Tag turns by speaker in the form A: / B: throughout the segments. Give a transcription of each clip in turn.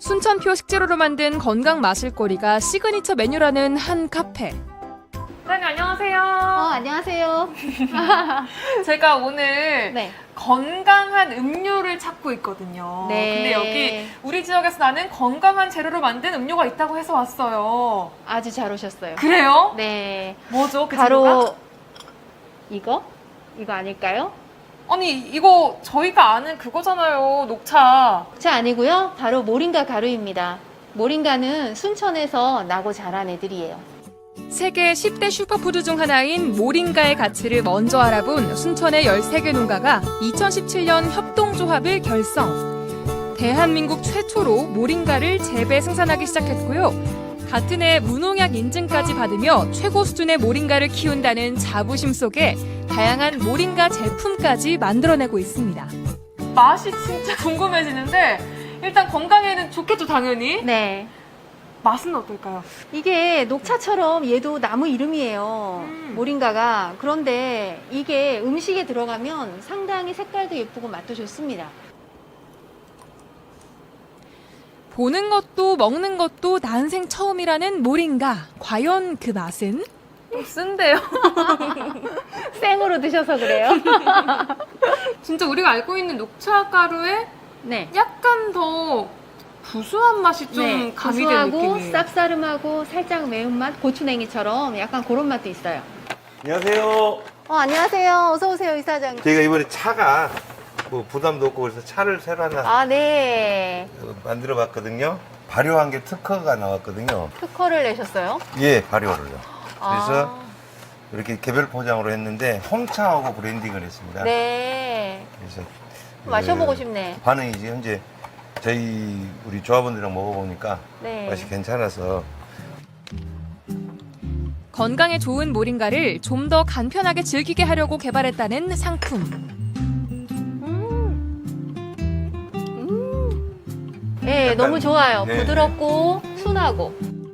A: 순천표 식재료로 만든 건강 마실거리가 시그니처 메뉴라는 한 카페. 사장님 안녕하세요.
B: 안녕하세요.
A: 제가 오늘
B: 네.
A: 건강한 음료를 찾고 있거든요.
B: 네.
A: 근데 여기 우리 지역에서 나는 건강한 재료로 만든 음료가 있다고 해서 왔어요.
B: 아주 잘 오셨어요.
A: 그래요?
B: 네.
A: 뭐죠? 그
B: 바로
A: 재료가?
B: 이거? 이거 아닐까요?
A: 아니 이거 저희가 아는 그거잖아요. 녹차.
B: 자, 아니고요. 바로 모링가 가루입니다. 모링가는 순천에서 나고 자란 애들이에요.
A: 세계 10대 슈퍼푸드 중 하나인 모링가의 가치를 먼저 알아본 순천의 13개 농가가 2017년 협동조합을 결성. 대한민국 최초로 모링가를 재배 생산하기 시작했고요. 같은 해 무농약 인증까지 받으며 최고 수준의 모링가를 키운다는 자부심 속에 다양한 모링가 제품까지 만들어내고 있습니다. 맛이 진짜 궁금해지는데 일단 건강에는 좋겠죠, 당연히.
B: 네.
A: 맛은 어떨까요?
B: 이게 녹차처럼 얘도 나무 이름이에요. 모링가가. 그런데 이게 음식에 들어가면 상당히 색깔도 예쁘고 맛도 좋습니다.
A: 보는 것도 먹는 것도 난생 처음이라는 모링가. 과연 그 맛은? 좀 쓴데요.
B: 생으로 드셔서 그래요?
A: 진짜 우리가 알고 있는 녹차 가루에
B: 네.
A: 약간 더 구수한 맛이 좀 가미된
B: 구수하고
A: 느낌이에요.
B: 쌉싸름하고 살짝 매운맛, 고추냉이처럼 약간 그런 맛도 있어요.
C: 안녕하세요.
B: 안녕하세요. 어서 오세요, 이사장님.
C: 저희가 이번에 차가 뭐 부담도 없고 그래서 차를 새로 하나
B: 아, 네.
C: 만들어 봤거든요. 발효한 게 특허가 나왔거든요.
B: 특허를 내셨어요?
C: 예, 발효를요. 그래서
B: 아,
C: 이렇게 개별 포장으로 했는데 홍차하고 브랜딩을 했습니다.
B: 네.
C: 그래서
B: 마셔보고 싶네.
C: 반응이 지금 현재 우리 조합원들이랑 먹어보니까
B: 네.
C: 맛이 괜찮아서
A: 건강에 좋은 모링가를 좀 더 간편하게 즐기게 하려고 개발했다는 상품.
B: 네,
C: 약간,
B: 너무 좋아요.
C: 네.
B: 부드럽고 순하고.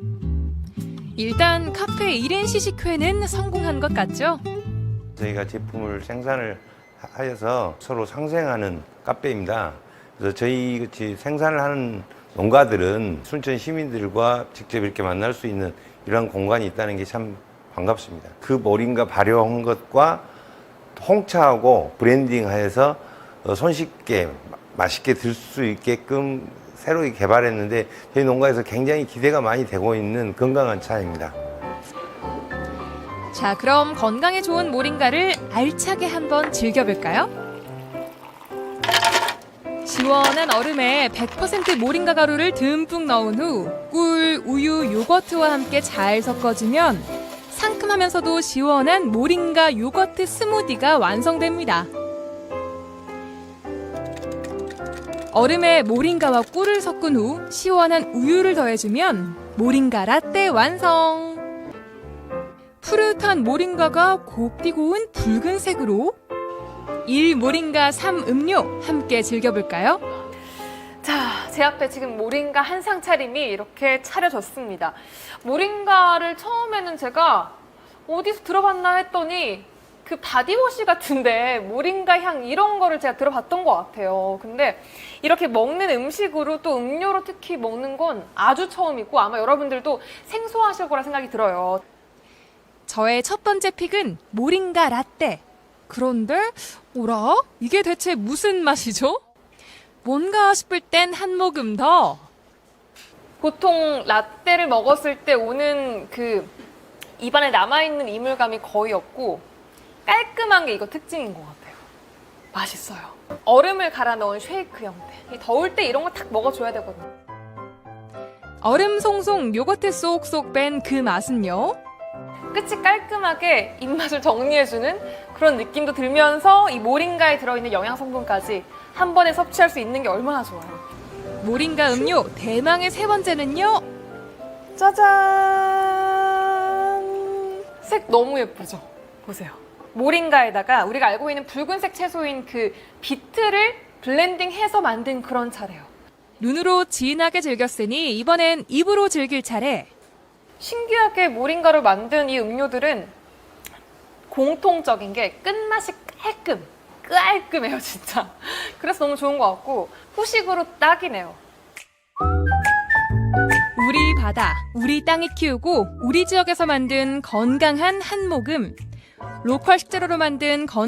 A: 일단 카페 1인 시식회는 성공한 것 같죠?
C: 저희가 제품을 생산을 하여서 서로 상생하는 카페입니다. 그래서 저희 같이 생산을 하는 농가들은 순천 시민들과 직접 이렇게 만날 수 있는 이런 공간이 있다는 게 참 반갑습니다. 그 모링가 발효한 것과 홍차하고 브랜딩하여서 손쉽게 맛있게 들 수 있게끔 새로 개발했는데 저희 농가에서 굉장히 기대가 많이 되고 있는 건강한 차입니다.
A: 자, 그럼 건강에 좋은 모링가를 알차게 한번 즐겨볼까요? 시원한 얼음에 100% 모링가 가루를 듬뿍 넣은 후 꿀, 우유, 요거트와 함께 잘 섞어주면 상큼하면서도 시원한 모링가 요거트 스무디가 완성됩니다. 얼음에 모링가와 꿀을 섞은 후 시원한 우유를 더해주면 모링가 라떼 완성! 푸릇한 모링가가 곱디 고운 붉은색으로 1 모링가 3 음료 함께 즐겨볼까요? 자, 제 앞에 지금 모링가 한상 차림이 이렇게 차려졌습니다. 모링가를 처음에는 제가 어디서 들어봤나 했더니 그 바디워시 같은데 모링가 향 이런 거를 제가 들어봤던 것 같아요. 근데 이렇게 먹는 음식으로 또 음료로 특히 먹는 건 아주 처음이고 아마 여러분들도 생소하실 거라 생각이 들어요. 저의 첫 번째 픽은 모링가 라떼. 그런데 오라? 이게 대체 무슨 맛이죠? 뭔가 싶을 땐 한 모금 더. 보통 라떼를 먹었을 때 오는 그 입안에 남아있는 이물감이 거의 없고 깔끔한 게 이거 특징인 것 같아요. 맛있어요. 얼음을 갈아 넣은 쉐이크 형태. 더울 때 이런 거 탁 먹어줘야 되거든요. 얼음 송송 요거트 쏙쏙 뺀 그 맛은요? 끝이 깔끔하게 입맛을 정리해주는 그런 느낌도 들면서 이 모링가에 들어있는 영양 성분까지 한 번에 섭취할 수 있는 게 얼마나 좋아요. 모링가 음료 대망의 세 번째는요. 짜잔! 색 너무 예쁘죠? 보세요. 모링가에다가 우리가 알고 있는 붉은색 채소인 그 비트를 블렌딩해서 만든 그런 차래요. 눈으로 진하게 즐겼으니 이번엔 입으로 즐길 차례. 신기하게 모링가로 만든 이 음료들은 공통적인 게 끝맛이 깔끔해요, 진짜. 그래서 너무 좋은 것 같고 후식으로 딱이네요. 우리 바다, 우리 땅이 키우고 우리 지역에서 만든 건강한 한모금, 로컬 식재료로 만든